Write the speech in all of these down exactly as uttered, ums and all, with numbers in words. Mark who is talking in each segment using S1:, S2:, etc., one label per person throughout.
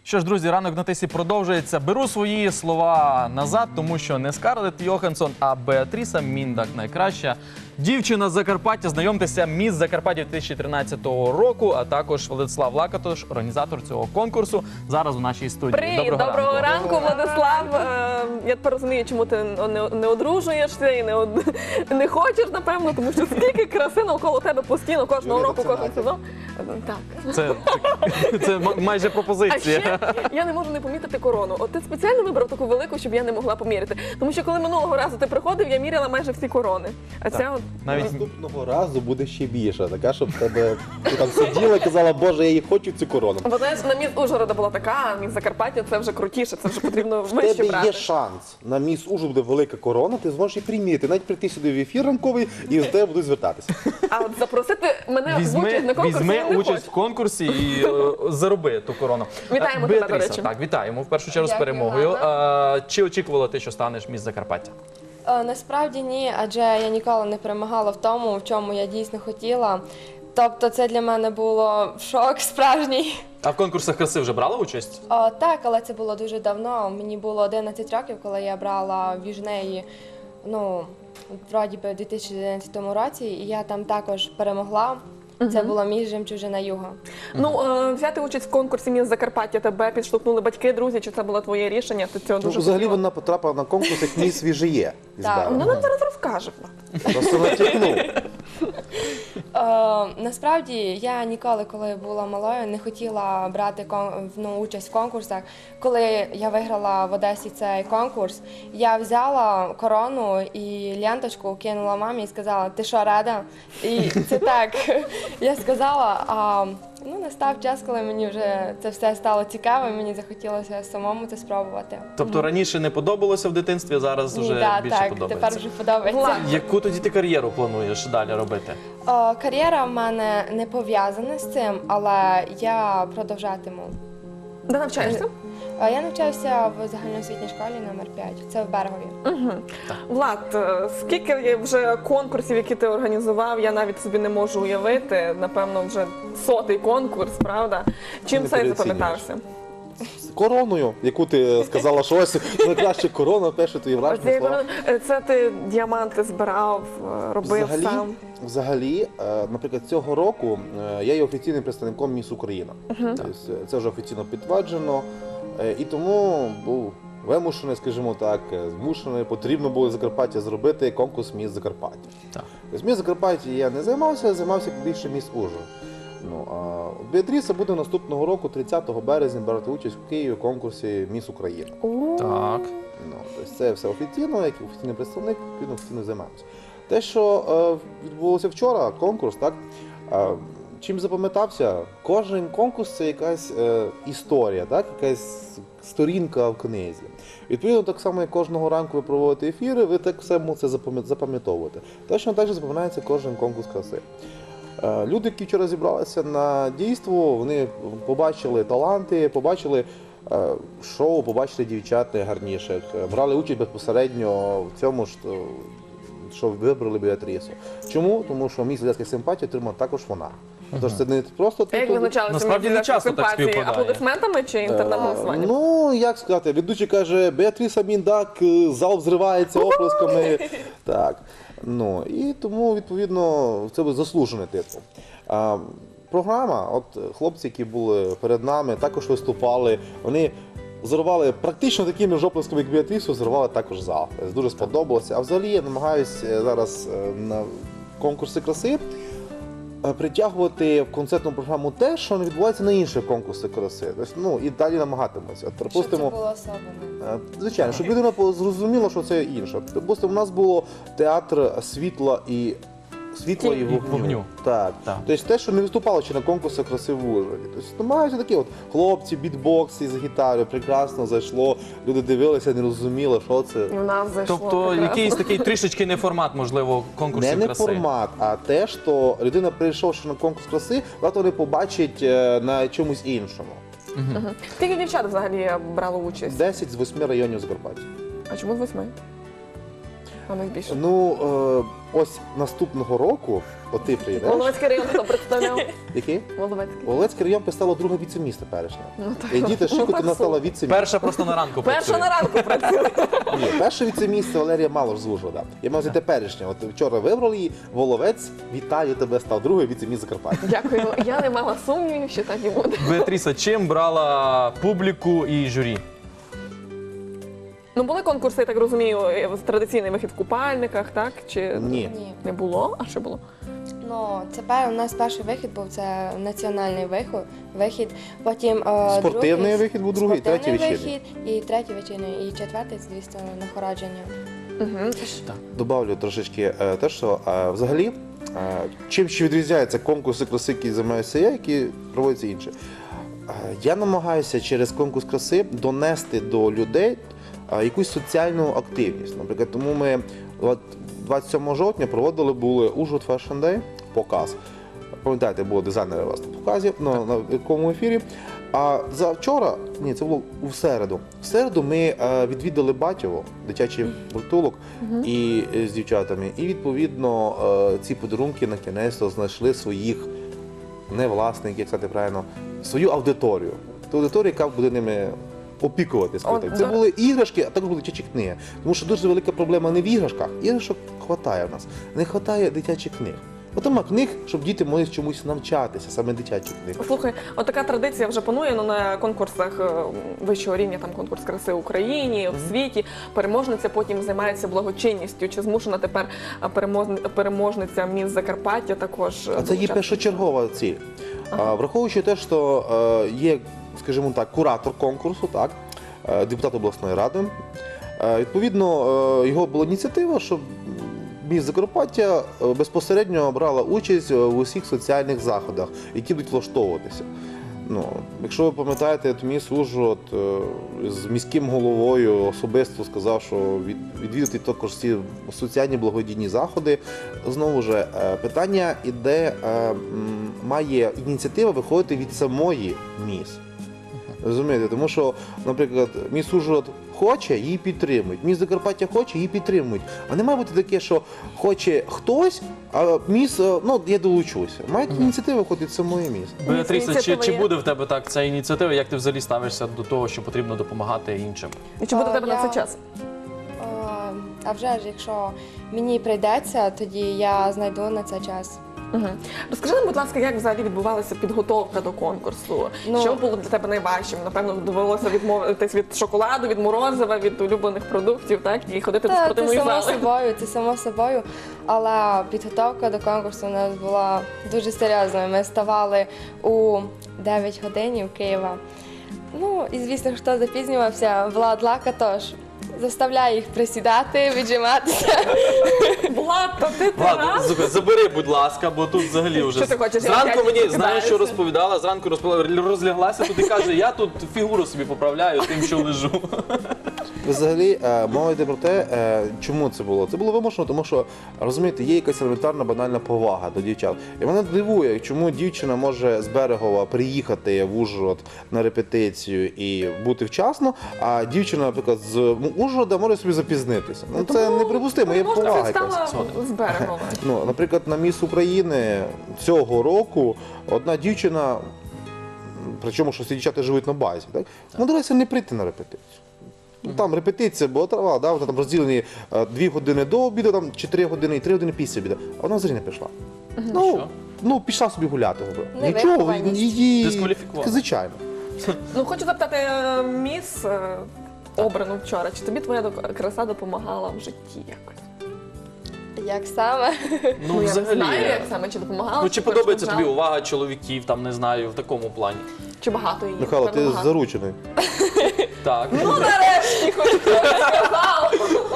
S1: Що ж, друзі, ранок на тисі продовжується. Беру свої слова назад, тому що не Скарлетт Йоханссон, а Беатріса Міндак найкраща дівчина з Закарпаття. Знайомтеся, міс Закарпаття дві тисячі тринадцятого року, а також Владислав Лакатош, організатор цього конкурсу, зараз у нашій студії.
S2: Привіт,
S1: доброго,
S2: доброго
S1: ранку.
S2: ранку, Владислав. Е, Я тепер розумію, чому ти не, не одружуєшся і не, од- не хочеш, напевно, тому що скільки краси навколо тебе постійно, кожного
S3: Юлія,
S2: року,
S3: це
S2: кожен
S3: Надя.
S2: сезон. Е, Так.
S1: Це, це, це м- майже
S2: А
S1: пропозиція.
S2: ще я не можу не помітити корону. От ти спеціально вибрав таку велику, щоб я не могла поміряти. Тому що коли минулого разу ти приходив, я міряла майже всі корони. А ця от
S1: Навіть
S3: Наступного разу буде ще більша, така, щоб в тебе ти там сиділа і казала, боже, я її хочу цю корону.
S2: Бо знаєш, на міс Ужгорода була така, а міс Закарпаття це вже крутіше, це вже потрібно
S3: В
S2: вище
S3: тебе
S2: брати.
S3: є шанс. На міс Ужгород буде велика корона, ти зможеш її приміряти, навіть прийти сюди в ефір ранковий і з тебе будуть звертатися.
S2: А от запросити мене в
S1: Візьми,
S2: участь на конкурсі
S1: візьми
S2: я не
S1: участь
S2: хочу.
S1: в конкурсі і е, зароби ту корону.
S2: Вітаємо
S1: Е,
S2: тебе, до
S1: Беатріса,
S2: речі.
S1: Так, вітаємо в першу чергу з
S4: Дякую,
S1: перемогою.
S4: Ганна.
S1: Е, Чи очікувала ти, що станеш міс Закарпаття?
S4: Е, Насправді ні, адже я ніколи не перемагала в тому, в чому я дійсно хотіла. Тобто це для мене було шок справжній.
S1: А в конкурсах краси вже брала участь?
S4: О, так, але це було дуже давно. Мені було одинадцять років, коли я брала в Южнеї, ну, вроді би, у дві тисячі одинадцятому році, і я там також перемогла. Це була міс Жемчужина Юга.
S2: Ну, е, взяти участь в конкурсі міс Закарпаття тебе підштовхнули батьки, друзі, чи це було твоє рішення? Ти цього
S3: Ну,
S2: дуже
S3: взагалі
S2: хотіла?
S3: вона потрапила на конкурс, як міс свіжиє із
S4: Так.
S3: Берега.
S2: Ну, нам зараз розкаже.
S3: Просто натякнув.
S4: Е, насправді я ніколи, коли була малою, не хотіла брати кон- ну, участь в конкурсах. Коли я виграла в Одесі цей конкурс, я взяла корону і ленточку кинула мамі і сказала: ти що, рада? І це так. Я сказала, а ну, настав час, коли мені вже це все стало цікаво, і мені захотілося самому це спробувати.
S1: Тобто раніше не подобалося в дитинстві, а зараз
S4: Ні,
S1: вже
S4: да,
S1: більше
S4: так,
S1: подобається.
S4: тепер вже подобається.
S2: Влад,
S1: Яку тоді ти кар'єру плануєш далі робити?
S4: О, кар'єра в мене не пов'язана з цим, але я продовжатиму.
S2: Де навчаєшся?
S4: Е, Я навчаюся в загальноосвітній школі номер п'ять. Це в Берегові.
S2: Влад, е, скільки є вже конкурсів, які ти організував, я навіть собі не можу уявити. Напевно, вже сотий конкурс, правда? Чим
S3: Не
S2: цей
S3: переоцінюєш.
S2: запам'ятався?
S3: З короною, яку ти сказала, що ось найкраща корона, перше твої
S2: Оцієї
S3: враження слова.
S2: корони- е, Це ти діаманти збирав, е, робив
S3: Взагалі,
S2: сам.
S3: взагалі, е, наприклад, цього року е, я є офіційним представником Міс Україна. Тобто, е, це вже офіційно підтверджено. Е, І тому був вимушений, скажімо так, е, змушений, потрібно було в Закарпаття зробити конкурс Міс Закарпаття.
S1: Так.
S3: Тобто Міс Закарпаття я не займався, я займався більше Міс Ужгород. Ну, а Беатріса буде наступного року, тридцятого березня, брати участь у Києві в конкурсі Міс Україна.
S2: О,
S1: Так.
S3: Ну, тобто це все офіційно, як офіційний представник, відповідно офіційно займаємося. Те, що е, відбулося вчора, конкурс, так, е, чим запам'ятався, кожен конкурс це якась е, історія, так, якась сторінка в книзі. Відповідно, так само, як кожного ранку ви проводите ефіри, ви так все це запам'ят- запам'ятовуєте. Точно так же запам'ятається кожен конкурс краси. Е, Люди, які вчора зібралися на дійство, вони побачили таланти, побачили е, шоу, побачили дівчат найгарніших, е, брали участь безпосередньо в цьому, що, що вибрали Беатрісу. Чому? Тому що мій глядацька симпатія отримала також вона. Тож це не просто
S2: А як
S3: титул.
S2: визначалися
S1: Насправді не
S2: міс
S1: часто так
S2: симпатії?
S1: співпадає.
S2: Аплодисментами чи інтернет-голосуванням?
S3: Ну, як сказати, ведучий каже, Беатріса Міндак, е, зал взривається оплесками. Так. Ну, і тому, відповідно, це був заслужений титул. А, програма, от хлопці, які були перед нами, також виступали, вони зірвали практично такими ж оплесками, як Беатрісу, зірвали також зал. Тобто дуже сподобалося. А взагалі я намагаюся зараз е, на конкурси краси е, притягувати в концертну програму те, що не відбувається на інших конкурсах краси. Тобто, ну, і далі намагатимуся. От,
S4: Що це
S3: припустимо,
S4: було особливо?
S3: Е, Звичайно, щоб людина по- зрозуміла, що це інше. Допустимо, у нас було театр світла і світла і
S1: І
S3: вогню.
S1: вогню.
S3: Так.
S1: Так.
S3: Тобто те, що не виступало ще на конкурсах краси в Ужгороді. Тобто намагаються такі от хлопці, бітбокси з гітарою, прекрасно зайшло. Люди дивилися, не розуміли, що це.
S2: І в нас зайшло
S1: Тобто
S2: прекрасно.
S1: якийсь такий трішечки не формат, можливо, конкурсів
S3: Не, не
S1: краси.
S3: формат, а те, що людина, прийшовши на конкурс краси, завтра не побачить е, на чомусь іншому.
S2: Мгм. Скільки дівчат взагалі брало участь?
S3: десять з восьми районів Закарпаття.
S2: А чому з восьми? А ми більше.
S3: Ну, е, ось наступного року, от ти приїдеш.
S2: Воловецький район хто представляв?
S3: Який?
S2: Воловецький.
S3: Воловецький район представила друге віце-місто перешня.
S2: Ну, так.
S3: І діти Шикотіна стала віце-місто.
S1: Перша просто на ранку
S2: Перша
S1: працює.
S2: на ранку працює.
S3: Ні, перше віце-місце Валерія Малош з Ужгорода. Я мав взяти теперішнє. От вчора вибрали її. Воловець, вітаю тебе, став друге віце-місто Закарпаття.
S2: Дякую. Я не мала сумнівів, що так і буде.
S1: Беатріса, чим брала публіку і журі?
S2: Ну, були конкурси, я так розумію, з традиційний вихід в купальниках, так? Чи
S3: Ні.
S4: Ні.
S2: не було? А що було?
S4: Ну, це пер- у нас перший вихід був, це національний вихід, вихід. Потім е,
S3: Спортивний
S4: другий,
S3: вихід був другий, третій
S4: спортивний
S3: вечірній.
S4: вихід, і третій вечірній, і четвертий, звісно, нагородження.
S2: Угу.
S3: Добавлю трошечки е, те, що е, взагалі, е, чим ще відрізняються конкурси краси, які займаюся я, які проводяться інші. Е, Я намагаюся через конкурс краси донести до людей е, якусь соціальну активність. Наприклад, тому ми от двадцять сьомого жовтня проводили були Ужгород Fashion Day, показ. Пам'ятаєте, було дизайнери у вас на показі на, на якому ефірі. А за вчора, ні, це було у середу. В середу ми е, відвідали Батьово, дитячий притулок, і е, з дівчатами. І відповідно е, ці подарунки на кінець знайшли своїх не власників, як сказати правильно, свою аудиторію. Ту аудиторію, яка буде ними опікуватися.
S2: От,
S3: Це
S2: да.
S3: були іграшки, а також були дитячі книги. Тому що дуже велика проблема не в іграшках. Іграшок хватає в нас. Не вистачає дитячих книг. От нема книг, щоб діти могли чомусь навчатися, саме дитячих книг.
S2: Слухай, от така традиція вже панує ну, на конкурсах е, вищого рівня, там конкурс краси в Україні, в світі. Переможниця потім займається благочинністю. Чи змушена тепер а, перемоз- переможниця міс Закарпаття також? е,
S3: А це є
S2: долучатися?
S3: першочергова ціль. А, Враховуючи те, що е, є, скажімо так, куратор конкурсу, так, е, депутат обласної ради. Е, Відповідно, е, його була ініціатива, щоб міс Закарпаття е, безпосередньо брала участь в усіх соціальних заходах, які будуть влаштовуватися. Ну, якщо ви пам'ятаєте, то міс Ужгород е, з міським головою особисто сказав, що від, відвідати також ці соціальні благодійні заходи. Знову ж е, питання іде, е, м, має ініціатива виходити від самої міс. Розумієте, тому що, наприклад, міс Ужгород хоче, її підтримують. Міс Закарпаття хоче, її підтримують. А не має бути таке, що хоче хтось, а міс, е, ну, я долучуся. Має ініціатива виходити від самої міс.
S1: Беатріса, чи,
S2: Ініціатива
S1: чи
S2: є.
S1: буде в тебе так ця ініціатива? Як ти взагалі ставишся до того, що потрібно допомагати іншим?
S2: І чи буде
S4: А,
S2: в тебе на
S4: я-
S2: це час?
S4: Е, А вже ж, якщо мені прийдеться, тоді я знайду на це час.
S2: Угу. Розкажи нам, будь ласка, як взагалі відбувалася підготовка до конкурсу?
S4: Ну-
S2: Що було для тебе найважчим? Напевно, довелося відмовитись від шоколаду, від морозива, від улюблених продуктів, так? І ходити до
S4: Та, це
S2: спортивної
S4: само
S2: зали.
S4: собою, це само собою. Але підготовка до конкурсу у нас була дуже серйозною. Ми ставали у дев'ять годин Києва. Ну і звісно, хто запізнювався, Влад Лака тож заставляє їх присідати, віджиматися.
S2: Влад, то ти ти
S1: Ладно,
S2: раз?
S1: слухай, забери, будь ласка, бо тут взагалі вже
S2: Що ти хочеш, я
S1: зранку
S2: опять
S1: мені знаєш,
S2: прокидаюся?
S1: що розповідала. Зранку розповідала, розляглася тут і каже, я тут фігуру собі поправляю тим, що лежу.
S3: Взагалі, е, мова йде про те, е, чому це було. Це було вимушено, тому що, розумієте, є якась елементарна банальна повага до дівчат. І мене дивує, чому дівчина може з Берегова приїхати в Ужгород на репетицію і бути вчасно, а дівчина, наприклад, з Ужгорода може собі запізнитися. Ну це неприпустимо, є
S2: Може,
S3: повага
S2: ти
S3: якась.
S2: стала з берегом.
S3: Ну, наприклад, на Міс України цього року одна дівчина, причому що всі дівчата живуть на базі, так? Намагалася не прийти на репетицію. Ну, там репетиція була трава, да, вони там розділені е, дві години до обіду, там, чи три години і три години після обіду. А вона взагалі не пішла. Ну,
S1: Що?
S3: ну, пішла собі гуляти.
S4: Не
S3: Нічого,
S4: вихованість.
S3: її
S1: Дискваліфікували.
S3: звичайно.
S2: Ну, хочу запитати, е, міс е, обрану вчора, чи тобі твоя док- краса допомагала в житті якось?
S4: Як саме?
S1: Ну,
S2: я
S1: взагалі.
S2: не знаю, як саме, чи допомагала.
S1: Ну, чи
S2: перешкоджала?
S1: подобається тобі увага чоловіків, там, не знаю, в такому плані?
S2: Чи багато її?
S3: Михайло,
S2: Напевно,
S3: ти
S2: багато.
S3: заручений.
S1: Так.
S2: Ну, нарешті, хоч хтось сказав.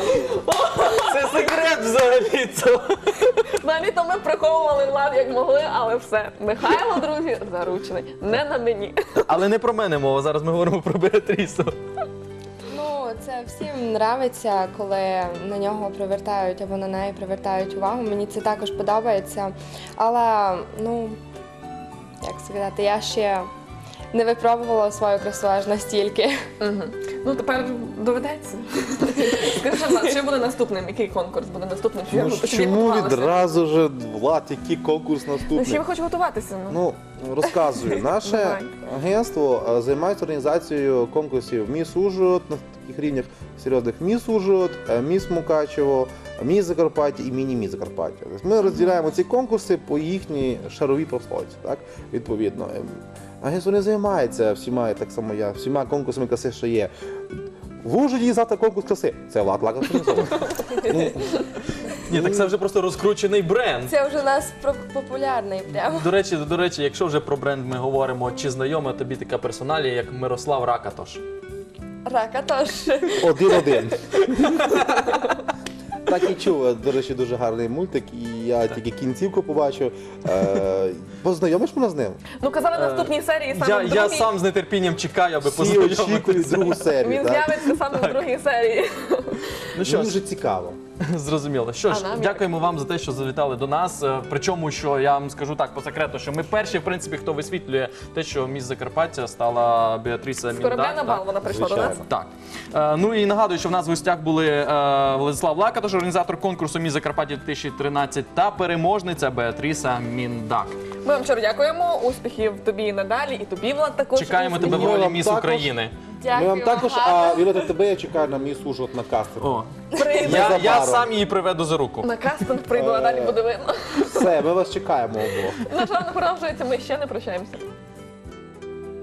S1: Це секрет взагалі. Це.
S2: Взагалі то ми приховували влад як могли, але все. Михайло, друзі, заручений. Не на мені.
S1: Але не про мене мова, зараз ми говоримо про Беатрісу.
S4: Ну, це всім нравиться, коли на нього привертають або на неї привертають увагу. Мені це також подобається. Але, ну, як сказати, я ще не випробувала свою красу аж настільки.
S2: Мгм. Ну тепер доведеться. Скажи, Влад, що буде наступним? Який конкурс буде наступним? Чи
S3: Ну,
S2: ви собі
S3: чому
S2: готувалися?
S3: відразу ж, Влад, який конкурс
S2: Ну,
S3: наступний?
S2: з чим хочу готуватися? Ну?
S3: Ну, розказую. Наше
S2: Давай.
S3: агентство е, займається організацією конкурсів Міс Ужгород на таких рівнях серйозних Міс Ужгород, е, Міс Мукачево, Міс Закарпаття і Міні-Міс Закарпаття. Тобто ми розділяємо ці конкурси по їхній шаровій прослойці, так, відповідно. Ем, Агентство не займається всіма, так само я, всіма конкурсами краси, що є. В Ужгороді завтра конкурс краси. Це Влад Лак організовує. Ну,
S1: Ні, так це вже просто розкручений бренд.
S4: Це вже у нас про- популярний прямо.
S1: До речі, до речі, якщо вже про бренд ми говоримо, чи знайома тобі така персоналія, як Мирослав Ракатош?
S4: Рака теж.
S3: Один-один. Так і чув, до речі, дуже гарний мультик, і я тільки кінцівку побачив. Е, Познайомиш мене з ним?
S2: Ну, казали в наступній серії саме
S1: Я,
S2: в
S1: я
S2: другій.
S1: сам з нетерпінням чекаю, аби
S3: Всі очікують
S1: познайомитися.
S3: другу серію.
S2: Він
S3: так?
S2: з'явиться саме в другій серії.
S1: Ну що
S3: Мені
S1: ж,
S3: дуже цікаво.
S1: зрозуміло. Що ж,
S2: А нам як?
S1: дякуємо вам за те, що завітали до нас. Е, Причому, що я вам скажу так по секрету, що ми перші, в принципі, хто висвітлює те, що міс Закарпаття стала Беатріса
S2: З корабля
S1: Міндак.
S2: на бал вона прийшла до нас.
S3: Звичайно.
S1: Так. Е, ну і нагадую, що в нас в гостях були е, Владислав Лакатош, організатор конкурсу Міс Закарпаття дві тисячі тринадцять та переможниця Беатріса Міндак.
S2: Ми вам щиро дякуємо. Успіхів тобі і надалі, і тобі, Влад, також.
S1: Чекаємо тебе в
S3: Ми
S1: ролі
S3: вам
S1: Міс
S3: також.
S1: України.
S4: Дякую.
S3: Ми вам також,
S4: гарно.
S3: а Віолетта, тебе я чекаю на мій Ужгород на кастинг.
S1: О,
S2: Прийде.
S1: я, я
S3: Незабаром.
S1: сам її приведу за руку.
S2: На кастинг прийду, а далі буде видно.
S3: Все, ми вас чекаємо обох.
S2: Наш ранок продовжується, ми ще не прощаємося.